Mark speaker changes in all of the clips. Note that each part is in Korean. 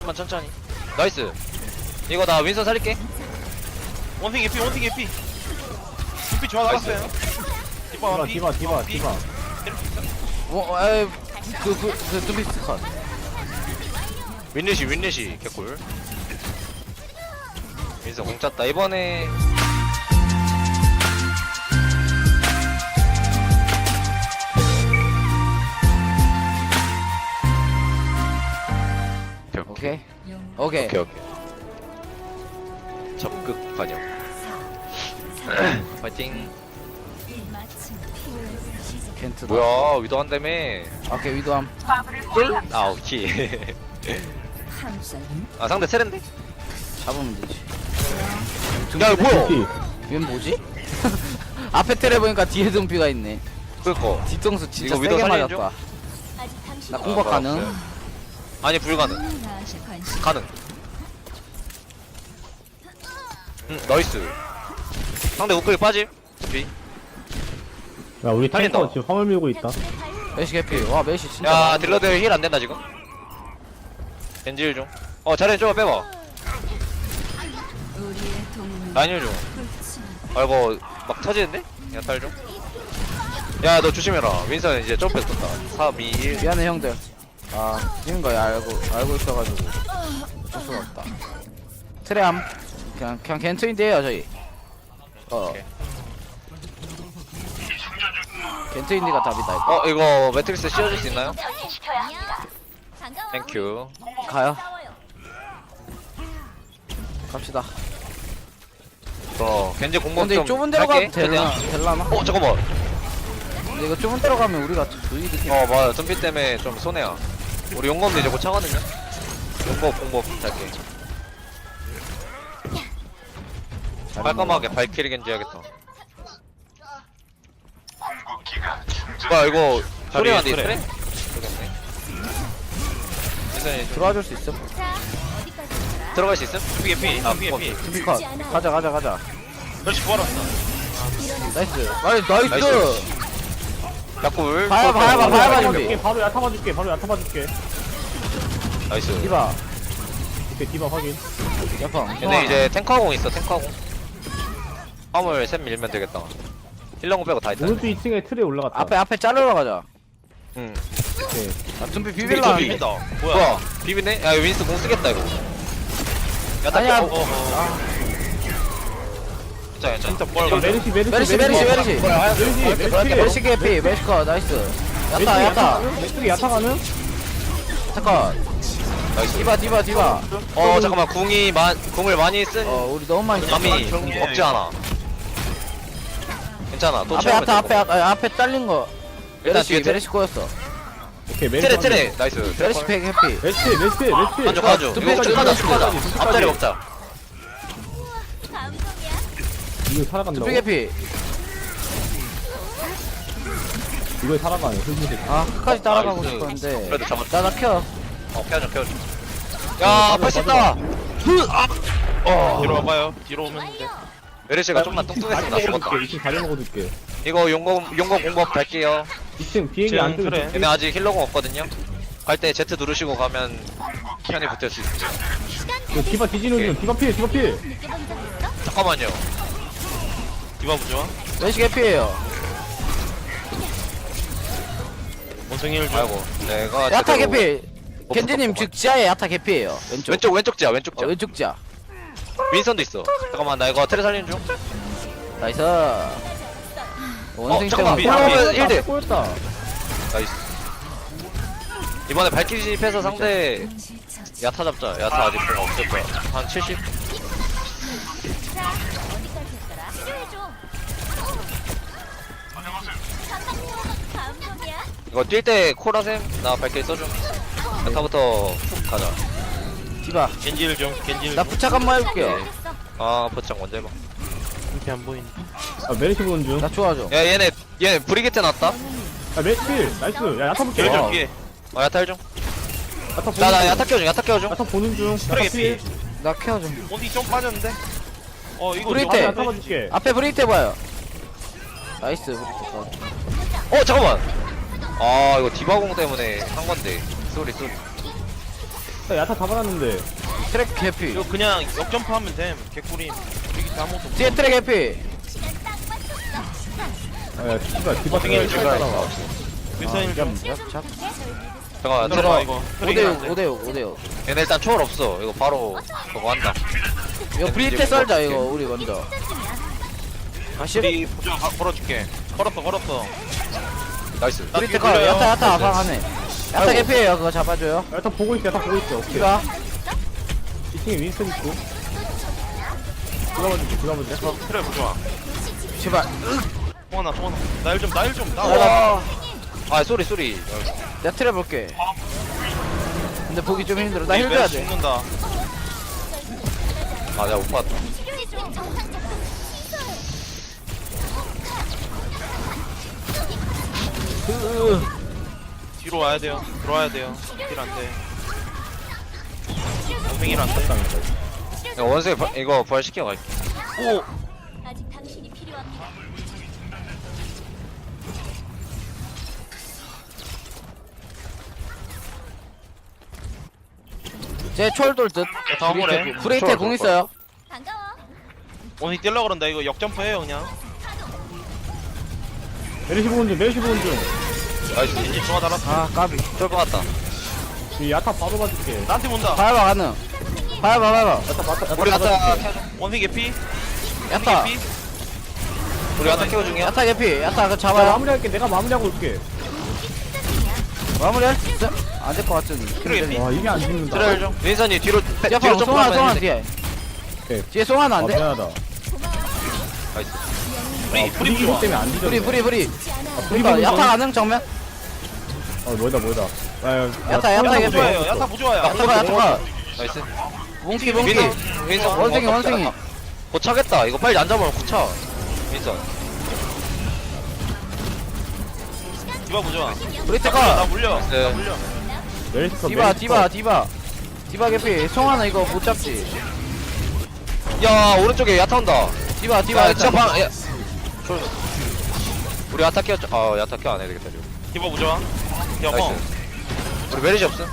Speaker 1: 천천히. 나이스. 이거 나 윈선 살릴게.
Speaker 2: 원숭이 개피 원숭이 개피 개피 좋아 나갔어요. 디바 원피
Speaker 3: 디바
Speaker 4: 둠피스 컷.
Speaker 1: 윈리시 개꿀. 윈선 공 찼다. 이번에
Speaker 4: 오케이.
Speaker 1: 오케이. 적극 반영. 파이팅.
Speaker 4: 켄트다.
Speaker 1: 뭐야 위도 한다며.
Speaker 4: 오케이 위도함.
Speaker 1: 아 오케이. 아 상대 세렌데?
Speaker 4: 잡으면 되지.
Speaker 1: 야 이거 뭐야?
Speaker 4: 얘 뭐지? 앞에 테레 보니까 뒤에 둠피가 있네.
Speaker 1: 그거
Speaker 4: 뒤통수 진짜
Speaker 1: 이거 위도
Speaker 4: 세게
Speaker 1: 살리는
Speaker 4: 맞았다. 나 공박 가능?
Speaker 1: 아니 불가능. 가능. 나이스. 상대 우클릭 빠짐. 뒤.
Speaker 3: 야 우리
Speaker 1: 살린다.
Speaker 3: 탱커 지금 화물 밀고 있다.
Speaker 4: 메시 개피. 와 메시 진짜.
Speaker 1: 야
Speaker 4: 많이
Speaker 1: 딜러들 힐 안된다 지금. 겐질 중. 자리에 좀 빼봐. 라인 힐 중. 아이고 막 터지는데? 야탈 좀. 야 너 조심해라. 윈선 이제 점프 떴다. 3, 2, 1.
Speaker 4: 미안해 형들. 아 지는 거야 알고 있어가지고 어쩔 수가 없다. 트레암 그냥 겐트인데요 저희.
Speaker 1: 오케이.
Speaker 4: 겐트인디가 답이다 이거.
Speaker 1: 이거 매트릭스 씌워줄 수 있나요? 땡큐.
Speaker 4: 가요. 갑시다.
Speaker 1: 겐지 공법
Speaker 4: 근데
Speaker 1: 좀
Speaker 4: 좁은 데로
Speaker 1: 할게.
Speaker 4: 가도 될라나?
Speaker 1: 잠깐만.
Speaker 4: 근데 이거 좁은 데로 가면 우리가 주의득이.
Speaker 1: 맞아. 덤피 때문에 좀 손해야. 우리 용검도 이제 곧 차거든요. 용검 공법 할게. 깔끔하게 발키리 겐지 해야겠다. 뭐야 이거 소리가 안 돼,
Speaker 2: 그래.
Speaker 1: 모르겠네. 일단
Speaker 4: 들어와줄 수 있어?
Speaker 1: 들어갈 수 있음?
Speaker 2: 개피 개피 개피 개피
Speaker 4: 둠피 컷. 가자.
Speaker 2: 그렇지 구하러
Speaker 4: 나이스.
Speaker 1: 나이스. 야꿀.
Speaker 4: 봐봐 준비.
Speaker 3: 줄게, 바로 야타 봐줄게.
Speaker 1: 나이스.
Speaker 4: 디바.
Speaker 3: 오케이 디바 확인.
Speaker 4: 야팡.
Speaker 1: 근데 이제 탱커공 있어, 탱커공. 화물 셋 밀면 되겠다. 힐러공 빼고 다 있다.
Speaker 3: 오른쪽 2층에 틀에 올라갔다.
Speaker 4: 앞에 자르러 가자.
Speaker 1: 응.
Speaker 3: 오케이.
Speaker 4: 아, 둠피
Speaker 2: 비빌
Speaker 4: 비빌라.
Speaker 2: 비빈다 뭐야
Speaker 1: 뭐야? 비비네? 야, 이거 윈스 공 쓰겠다, 이거. 야, 나
Speaker 4: 아니야.
Speaker 1: 괜찮아.
Speaker 2: 진짜 뭘
Speaker 3: 야, 메르시.
Speaker 4: 메리시. 메리시 개피. 메리시 컷. 나이스. 야타.
Speaker 3: 메르시 야타 가는?
Speaker 4: 잠깐.
Speaker 1: 나이스.
Speaker 4: 디바.
Speaker 1: 잠깐만. 궁을 많이 쓴
Speaker 4: 우리 너무 많이
Speaker 1: 감이 없지 않아. 괜찮아. 또
Speaker 4: 앞에
Speaker 1: 채우면
Speaker 4: 야타
Speaker 1: 돼.
Speaker 4: 앞에 잘린 거.
Speaker 1: 일단 뒤에
Speaker 4: 메리시 꼬였어.
Speaker 3: 오케이 메르시.
Speaker 1: 트레. 나이스.
Speaker 4: 메리시 팩 해피.
Speaker 3: 메르시.
Speaker 1: 가져. 이거 쭉 가자. 앞자리 먹자.
Speaker 3: 이거 살아간다고?
Speaker 4: 둠피 개피.
Speaker 3: 이거 살아가네. 흑무색.
Speaker 4: 아 끝까지 따라가고
Speaker 1: 나이스.
Speaker 4: 싶었는데.
Speaker 1: 그래도 잡았다.
Speaker 4: 나 켜.
Speaker 1: 켜줘. 야, 팔 씻다.
Speaker 2: 뒤로 와봐요 뒤로 오면 돼
Speaker 1: 메르시가 좀만 뚱뚱했으면 나 죽었다.
Speaker 3: 2층 다리 먹어줄게.
Speaker 1: 이거 용검 공법 갈게요.
Speaker 3: 2층 비행기 안 뜨고.
Speaker 2: 그래.
Speaker 1: 얘네 아직 힐러공 없거든요. 갈 때 Z 누르시고 가면 편히 붙을 수 있어요.
Speaker 3: 이거 디바 뒤지는 중. 디바 필.
Speaker 1: 잠깐만요.
Speaker 2: 디바 부좋아
Speaker 4: 메리시 개피예요.
Speaker 2: 원숭이 힐 줘.
Speaker 1: 아이고, 내가
Speaker 4: 야타
Speaker 1: 제대로
Speaker 4: 개피. 겐지님 즉 지하에 야타 개피예요.
Speaker 1: 왼쪽 지야, 왼쪽 지야.
Speaker 4: 왼쪽 지하.
Speaker 1: 윈선도 있어. 잠깐만, 나 이거 테레 살리는 중.
Speaker 4: 나이스. 원숭이
Speaker 1: 잠깐만.
Speaker 4: 때문에
Speaker 1: 올라오면 1대.
Speaker 3: 꼬였다.
Speaker 1: 나이스. 이번에 발키리 진입해서 상대 야타 잡자. 야타 아직 공 없을 거야. 한 70? 이거 뛸 때 코라셈 나 발키리 써줘. 야타부터 훅 가자.
Speaker 4: 디바.
Speaker 2: 겐지 힐좀 겐지 힐
Speaker 4: 나 부착 한번 해볼게요.
Speaker 1: 보창 먼저 해봐.
Speaker 2: 이렇게 안 보이네
Speaker 3: 메르시 보는 중.
Speaker 4: 나 좋아져.
Speaker 1: 야, 얘네 브리게트 났다.
Speaker 3: 메르시 필. 나이스. 야 야타 볼게.
Speaker 2: 힐
Speaker 1: 어.
Speaker 2: 좀 피해
Speaker 1: 야타 힐 좀.
Speaker 3: 야타 보는
Speaker 1: 나
Speaker 3: 중.
Speaker 1: 야타 켜줘.
Speaker 3: 야타 보는 중.
Speaker 2: 트레 개피
Speaker 4: 나 케어 좀.
Speaker 2: 원숭이 좀 빠졌는데 이거
Speaker 4: 브리테.
Speaker 3: 야타 봐줄게.
Speaker 4: 앞에 브레이트 해봐요. 나이스. 브레이트.
Speaker 1: 잠깐만. 이거 디바공 때문에 한 건데. 쏘리.
Speaker 3: 야, 야타 잡아놨는데.
Speaker 4: 트랙 개피.
Speaker 2: 이거 그냥 역점프 하면 됨 개꿀임 우리 기타 아무것도 없어.
Speaker 4: 뒤에 트랙 개피.
Speaker 3: 아, 야, 씨발, 디바
Speaker 2: 어떻게
Speaker 3: 잘
Speaker 2: 찍어야
Speaker 3: 따라와.
Speaker 2: 윈선이 좀
Speaker 1: 잠깐만
Speaker 2: 들어봐
Speaker 1: 들어봐.
Speaker 2: 이거
Speaker 4: 5대6 5대6
Speaker 1: 얘네 일단 초월 없어. 이거 바로 그거 한다.
Speaker 4: 이거 브리테 썰자 이거 우리 먼저. 다시
Speaker 2: 우리 보조 걸어줄게 걸었어
Speaker 1: 나이스.
Speaker 2: 나
Speaker 4: 브리테
Speaker 2: 뒤에
Speaker 4: 거
Speaker 2: 돌려요.
Speaker 4: 야타 아방하네. 야타 개피에요. 그거 잡아줘요.
Speaker 3: 야타 보고 있어, 야타 보고 있어. 오케이.
Speaker 4: 이가
Speaker 3: 2층에 윈스턴 있고. 들어가줄게.
Speaker 2: 그래 보조아
Speaker 4: 제발.
Speaker 2: 통하나 나일좀나
Speaker 4: 와.
Speaker 1: 아 쏘리 쏘리.
Speaker 4: 내가 트랩 볼게. 근데 보기 좀 힘들어. 나 힐 줘야 돼.
Speaker 2: 죽는다
Speaker 1: 아 내가 못 봤다.
Speaker 2: 뒤로 와야 돼요 들어와야 돼요 힐 안돼 원숭이 힐 안돼
Speaker 1: 야 원숭이 이거 부활시켜 갈게.
Speaker 2: 오
Speaker 5: 아직 당신이 필요합니다.
Speaker 4: 제 철돌 듯.
Speaker 2: 다음으로
Speaker 4: 브레이테 공 있어요.
Speaker 5: 반가워.
Speaker 2: 원숭이 뛸라 그런다 이거 역점프 해요 그냥
Speaker 3: 메르시 보는 중.
Speaker 1: 나이스.
Speaker 2: 이제 좋아 달았어
Speaker 4: 아 까비.
Speaker 1: 쫄 받았다.
Speaker 3: 이 야타 바로 봐줄게.
Speaker 2: 나한테 본다
Speaker 4: 봐봐 가능. 봐봐.
Speaker 1: 우리 야타 켜줘.
Speaker 2: 원숭이 개피
Speaker 4: 야타.
Speaker 2: 개피
Speaker 1: 우리 야타 켜 중이야.
Speaker 4: 야타 개피. 야타 그거
Speaker 3: 야,
Speaker 4: 잡아요.
Speaker 3: 마무리할게. 내가 마무리하고 올게.
Speaker 4: 마무리할 수 있어? 안될 것 같은.
Speaker 2: 그래,
Speaker 3: 와, 이게 안 죽는다.
Speaker 1: 트레일 좀. 윈선이 뒤로
Speaker 4: 야,
Speaker 1: 뒤로 좀
Speaker 4: 송하나
Speaker 1: 빠면
Speaker 4: 뒤에.
Speaker 3: 오케이.
Speaker 4: 뒤에 송하나 안 돼?
Speaker 3: 미안하다.
Speaker 1: 나이스.
Speaker 2: 프리
Speaker 3: 불이
Speaker 2: 프리 좋아
Speaker 3: 때문에 안 뒤져.
Speaker 4: 브리.
Speaker 3: 불이
Speaker 4: 그러니까 야타 가능 정면?
Speaker 3: 뭐다.
Speaker 4: 야타 개피.
Speaker 2: 보조아요 야타 보조아야
Speaker 4: 야타가.
Speaker 1: 나이스.
Speaker 4: 몽키.
Speaker 1: 윈선
Speaker 4: 원숭이.
Speaker 1: 고차겠다. 이거 빨리 안 잡으면 고차. 윈선.
Speaker 2: 디바 보조아
Speaker 4: 브리테가.
Speaker 2: 나 물려
Speaker 1: 네.
Speaker 2: 나 물려
Speaker 3: 메르시 컷.
Speaker 4: 디바 개피. 송하나 이거 못 잡지.
Speaker 1: 야 오른쪽에 야타 온다.
Speaker 4: 디바
Speaker 1: 야 진짜
Speaker 4: 야타.
Speaker 1: 방. 야. 쫄. 우리 야타 켜. 아 야타 켜 안 해야 되겠다. 지금.
Speaker 2: 디바 보조아 야뻥
Speaker 1: 나이스. 우리 메리지 없음.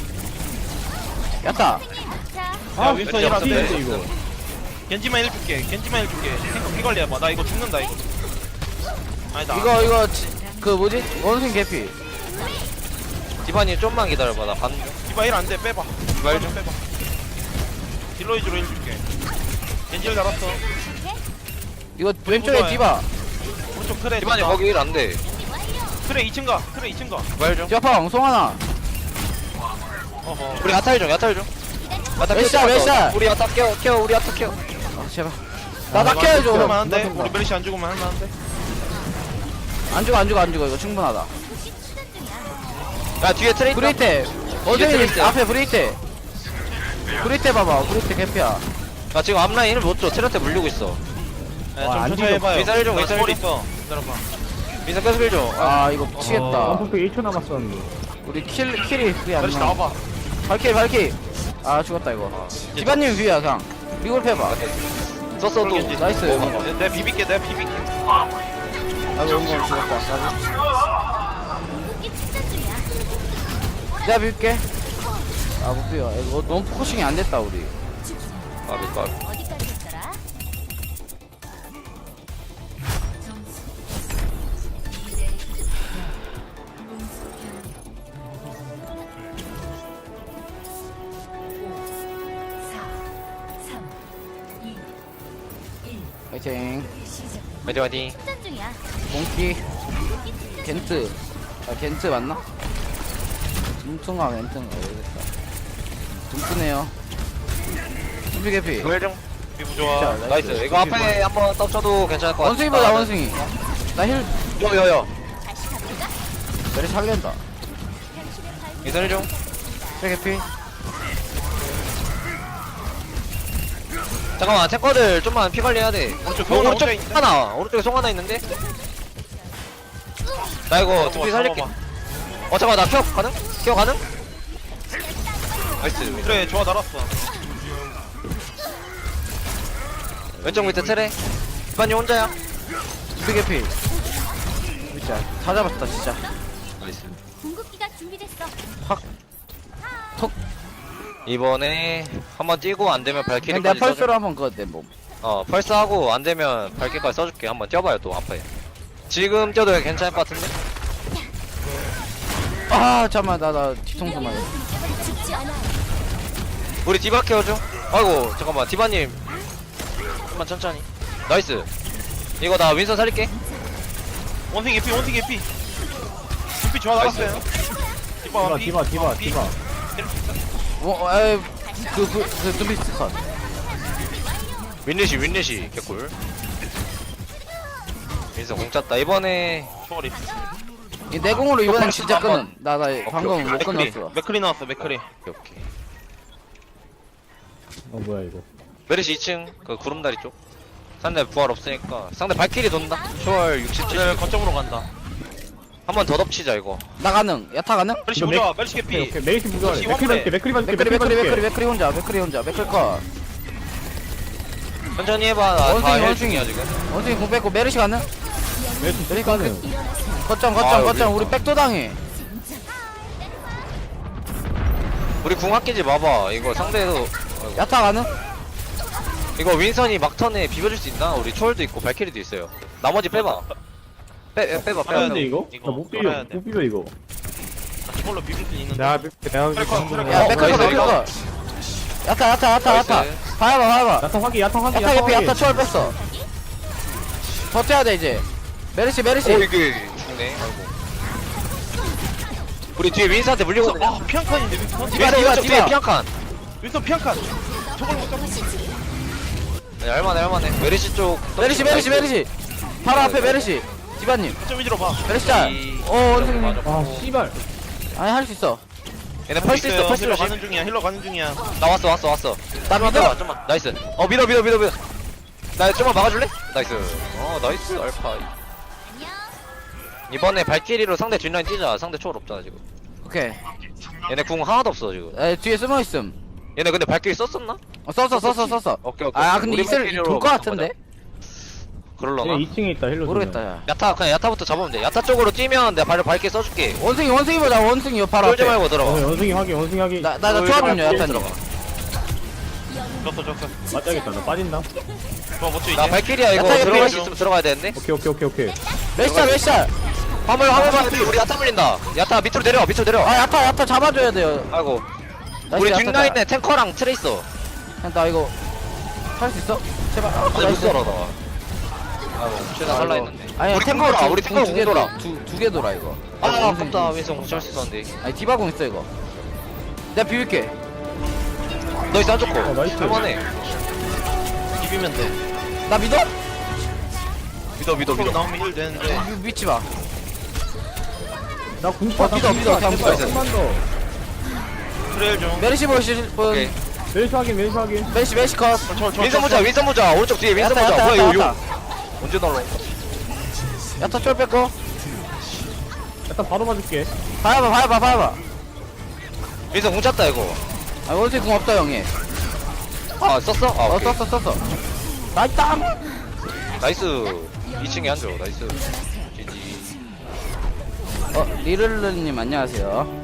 Speaker 4: 야타.
Speaker 2: 야 윈선 힐 안돼
Speaker 3: 튀는데, 이거.
Speaker 2: 겐지만 힐 줄게 탱커 피 관리해봐 나 이거 죽는다 이거 아니다
Speaker 4: 이거 그 뭐지? 원숭이 개피.
Speaker 1: 디바님 좀만 기다려봐. 나 가는 중.
Speaker 2: 디바 힐 안돼 빼봐
Speaker 1: 디바 힐
Speaker 2: 빼봐 딜러 위주로 힐 줄게 겐지 힐 달았어
Speaker 4: 이거 왼쪽에 디바.
Speaker 2: 오른쪽 트레
Speaker 1: 디바님 거기 일 안 돼.
Speaker 2: 트레 2층 가
Speaker 1: 디바 일 좀.
Speaker 4: 디바팡 송하나.
Speaker 2: 어허
Speaker 1: 우리 야타 일 좀. 야타
Speaker 4: 몇 샷, 몇 샷?
Speaker 1: 우리 야타 켜. 우리 야타 켜.
Speaker 4: 아 제발. 나 낙해야죠.
Speaker 2: 죽으면 안돼 우리 멜리시 안 죽으면 할만한데
Speaker 4: 안 죽어 이거 충분하다.
Speaker 1: 야 뒤에 트레이터.
Speaker 4: 브레이테. 어제
Speaker 1: 트레이트.
Speaker 4: 앞에 브레이테. 브레이테 봐봐. 브레이테 개피야.
Speaker 1: 나 지금 앞라인 힐을 못 줘. 트레한테 물리고 있어.
Speaker 2: 좀
Speaker 3: 안
Speaker 2: 천천히
Speaker 3: 죽여.
Speaker 2: 해봐요
Speaker 1: 윈선 힐 좀,
Speaker 2: 나
Speaker 1: 윈선
Speaker 2: 스몰
Speaker 1: 힐
Speaker 2: 있어 기다려봐
Speaker 1: 민서 계속 힐 줘.
Speaker 4: 아 이거 미치겠다.
Speaker 3: 원폭도 1초 남았었는데.
Speaker 4: 우리 킬이 그게 안
Speaker 2: 멜리시
Speaker 4: 나와.
Speaker 2: 나와봐
Speaker 4: 발키. 아 죽었다 이거. 디바님 위야 그냥. 리골 해봐.
Speaker 1: 썼어 또.
Speaker 2: 겐지.
Speaker 4: 나이스.
Speaker 2: 내가 비빌게
Speaker 4: 나도 용건 죽었다.
Speaker 5: 궁극기 충전 중이야.
Speaker 4: 내가 빌게. 아 못 비워. 이거 너무 포커싱이 안 됐다 우리.
Speaker 1: 까비 까비.
Speaker 5: 어디까지 했더라?
Speaker 4: 파이팅.
Speaker 1: 화이팅 화이팅.
Speaker 5: 충전 중이야.
Speaker 4: 몽키. 겐트. 아 겐트 맞나? 둠tun가 겐트인가 모르겠다. 둠tun해요. 준비 개피.
Speaker 1: 이거 힐 좀.
Speaker 2: 비부 좋아
Speaker 1: 나이스. 이거 앞에 한번 떡쳐도 괜찮을 것 같아.
Speaker 4: 원숭이 보자 원숭이. 나 힐.
Speaker 1: 여여여.
Speaker 5: 다시 가볼까?
Speaker 4: 내리 살린다.
Speaker 5: 당신의 발밑
Speaker 1: 민서 힐 좀.
Speaker 4: 제 개피.
Speaker 1: 잠깐만 탱커들 좀만 피 관리해야 돼.
Speaker 2: 오른쪽 병원 혼자
Speaker 1: 오른쪽
Speaker 2: 있는데?
Speaker 1: 하나. 오른쪽에 송 하나 있는데. 나 이거 두피 살릴게. 잠깐만 나 켜 가능? 켜 가능? 나이스.
Speaker 2: 그래 좋아 달았어
Speaker 1: 왼쪽 밑에 트레. 디바님 혼자야.
Speaker 4: 준비 개피. 진짜 다 잡았다 진짜.
Speaker 1: 나이스.
Speaker 5: 궁극기가 준비됐어.
Speaker 4: 톡.
Speaker 1: 이번에 한번 뛰고 안 되면
Speaker 4: 그냥
Speaker 1: 발키리까지
Speaker 4: 내가
Speaker 1: 써줄.
Speaker 4: 펄스로 한번 그거 내 몸.
Speaker 1: 펄스하고 안 되면 발키리까지 써줄게. 한번 뛰어봐요 또 앞에. 지금 뛰어도 괜찮을 것 같은데?
Speaker 4: 아 잠깐만 나 뒤통수만.
Speaker 5: 죽지 않아.
Speaker 1: 우리 디바 케어줘. 아이고 잠깐만 디바님 좀만 천천히. 나이스. 이거 나 윈선 살릴게.
Speaker 2: 원숭이 개피 원숭이 개피. 눈빛 좋아 나갔어요. 디바
Speaker 3: 디바 디바 디바
Speaker 4: 그 두비스 컷.
Speaker 1: 윈리시 개꿀. 윈선 공 짰다. 이번에
Speaker 2: 초월이.
Speaker 4: 이 내공으로 이번엔 진짜
Speaker 2: 한번.
Speaker 4: 끊음. 나 방금 못
Speaker 2: 맥크리
Speaker 4: 끊었어.
Speaker 2: 맥크리 나왔어 맥크리.
Speaker 1: 오케이.
Speaker 3: 뭐야 이거
Speaker 1: 메르시 2층 그 구름다리 쪽. 상대 부활 없으니까 상대 발키리 돈다. 초월 67.
Speaker 2: 네 거점으로 간다.
Speaker 1: 한 번 더 덮치자 이거.
Speaker 4: 나 가능. 야타 가능?
Speaker 2: 멜시
Speaker 3: 이거
Speaker 2: 보자 멜시 개피.
Speaker 3: 오케이 메이시 부조하래
Speaker 2: 역시
Speaker 3: 맥크리
Speaker 2: 화물에.
Speaker 3: 봐줄게 맥크리 봐줄게
Speaker 4: 맥크리 혼자. 맥크리 컷.
Speaker 1: 천천히 해봐. 나다
Speaker 4: 원숭이,
Speaker 1: 헬
Speaker 4: 원숭이.
Speaker 1: 중이야 지금.
Speaker 4: 원숭이 공 뺐고 메르시 가능?
Speaker 3: 메이시
Speaker 4: 메리시
Speaker 3: 가는
Speaker 4: 거점
Speaker 1: 아, 여기.
Speaker 4: 우리 백도 당해.
Speaker 1: 우리 궁 아끼지 마봐. 이거 상대도
Speaker 4: 야타 가능?
Speaker 1: 이거 윈선이 막턴에 비벼줄 수 있나? 우리 초월도 있고 발키리도 있어요. 나머지 빼봐. 빼봐.
Speaker 2: 빨아야
Speaker 3: 근데
Speaker 2: 돼.
Speaker 3: 이거?
Speaker 2: 이거
Speaker 3: 나못
Speaker 2: 빨아야
Speaker 3: 비벼
Speaker 2: 돼.
Speaker 3: 못 비벼 이거
Speaker 2: 저걸로 비빌 수 있는데.
Speaker 3: 내가
Speaker 2: 트래커, 트래커.
Speaker 4: 야
Speaker 1: 어,
Speaker 4: 맥크리
Speaker 1: 나이스,
Speaker 4: 맥크리 컷. 야타.
Speaker 1: 나이스.
Speaker 4: 봐봐.
Speaker 3: 야타 확인
Speaker 4: 야타 개피 야타 초월 뺐어. 버텨야 돼 이제. 메르시
Speaker 1: 이게 죽네. 아이고. 우리 뒤에 윈선한테 물리거든요.
Speaker 2: 아 피한칸인데 윈스턴.
Speaker 4: 디바,
Speaker 1: 윈선
Speaker 4: 디바,
Speaker 1: 오른쪽
Speaker 4: 디바.
Speaker 1: 뒤에 피한칸.
Speaker 2: 윈스턴 피한칸. 저걸 못 잡았어.
Speaker 1: 할만해. 메르시 쪽.
Speaker 4: 메르시. 바로 앞에 메르시. 디바님.
Speaker 2: 좀 위로 봐.
Speaker 4: 메르시 짤. 원숭이.
Speaker 1: 맞아.
Speaker 3: 아 씨발
Speaker 4: 아니 할 수 있어.
Speaker 1: 얘네 펄스 있어. 펄스
Speaker 2: 힐러
Speaker 1: 조심.
Speaker 2: 가는 중이야. 힐러 가는 중이야.
Speaker 1: 나 왔어.
Speaker 4: 나 믿어.
Speaker 1: 좀만. 나이스. 밀어. 나 좀만 막아줄래? 나이스. 나이스 알파. 이번에 발키리로 상대 뒷라인 뛰자. 상대 초월 없잖아 지금.
Speaker 4: 오케이.
Speaker 1: 얘네 궁 하나도 없어 지금.
Speaker 4: 뒤에 숨어 있음.
Speaker 1: 얘네 근데 발키리 썼었나?
Speaker 4: 썼어.
Speaker 1: 오케이.
Speaker 4: 아 근데
Speaker 1: 우리
Speaker 4: 있을
Speaker 1: 발키리로
Speaker 4: 돌것 같은데.
Speaker 1: 그럴라나?
Speaker 3: 얘 2층에 있다 힐러
Speaker 4: 모르겠다 야.
Speaker 1: 그냥 야타부터 잡으면 돼. 야타 쪽으로 뛰면 내가 발을 밝게 써줄게.
Speaker 4: 원숭이 보자. 원숭이 바로
Speaker 1: 쫄지
Speaker 4: 앞에.
Speaker 1: 말고 들어가.
Speaker 3: 원숭이 확인
Speaker 4: 나 초합 좀요 야타님.
Speaker 2: 졌어.
Speaker 3: 맞자겠다 나 빠진다
Speaker 2: 좋아 못쳐 이제.
Speaker 1: 나 발키리야 이거
Speaker 4: 야타
Speaker 1: 들어갈
Speaker 2: 옆에
Speaker 1: 수 있으면 들어가야 되는데.
Speaker 3: 오케이
Speaker 4: 메시짤.
Speaker 1: 화물 봐필 우리 야타 물린다. 야타 밑으로 내려.
Speaker 4: 아 야타 잡아줘야 돼요.
Speaker 1: 아이고.
Speaker 4: 나이스,
Speaker 1: 우리
Speaker 4: 야타
Speaker 1: 뒷라인에 탱커랑 트레이서.
Speaker 4: 짤. 나 이거 할 수 있어? 제발.
Speaker 1: 근데 못 살아 나. 아이고 최대한 살라 했는데.
Speaker 4: 아니
Speaker 1: 우리
Speaker 4: 템포
Speaker 1: 탱커라. 우리 탱커
Speaker 4: 두개
Speaker 1: 공돌아.
Speaker 4: 돌아. 두개 돌아 이거.
Speaker 1: 아
Speaker 4: 원숭이.
Speaker 1: 아깝다. 윈성 공치할 수 있었는데.
Speaker 4: 아니 디바공 있어 이거. 내가 비빌게.
Speaker 1: 너희 안 좋고.
Speaker 3: 나이스.
Speaker 1: 할만해.
Speaker 2: 비비면 돼.
Speaker 4: 나 믿어?
Speaker 1: 믿어.
Speaker 2: 나오면 힐 되는데.
Speaker 4: 믿지 마.
Speaker 3: 나 궁파
Speaker 4: 믿어, 그냥 믿어.
Speaker 3: 조금만 더
Speaker 2: 트레일 좀.
Speaker 4: 메리시 보실 분.
Speaker 1: 오케이.
Speaker 3: 메이시 확인
Speaker 4: 메리시 컷.
Speaker 1: 윈성 보자. 오른쪽 뒤에 윈성 보자.
Speaker 4: 야타.
Speaker 1: 뭐야 이거 언제 날라?
Speaker 4: 야타 쫄 뺐고.
Speaker 3: 일단 바로 맞을게
Speaker 4: 봐봐.
Speaker 1: 윈성 공 찼다 이거.
Speaker 4: 아 원숭이 공 없다 형이.
Speaker 1: 아 썼어? 아 오케이.
Speaker 4: 썼어. 나이스.
Speaker 1: 나이스. 2층에 앉아. 나이스. GG.
Speaker 4: 리를르님 안녕하세요.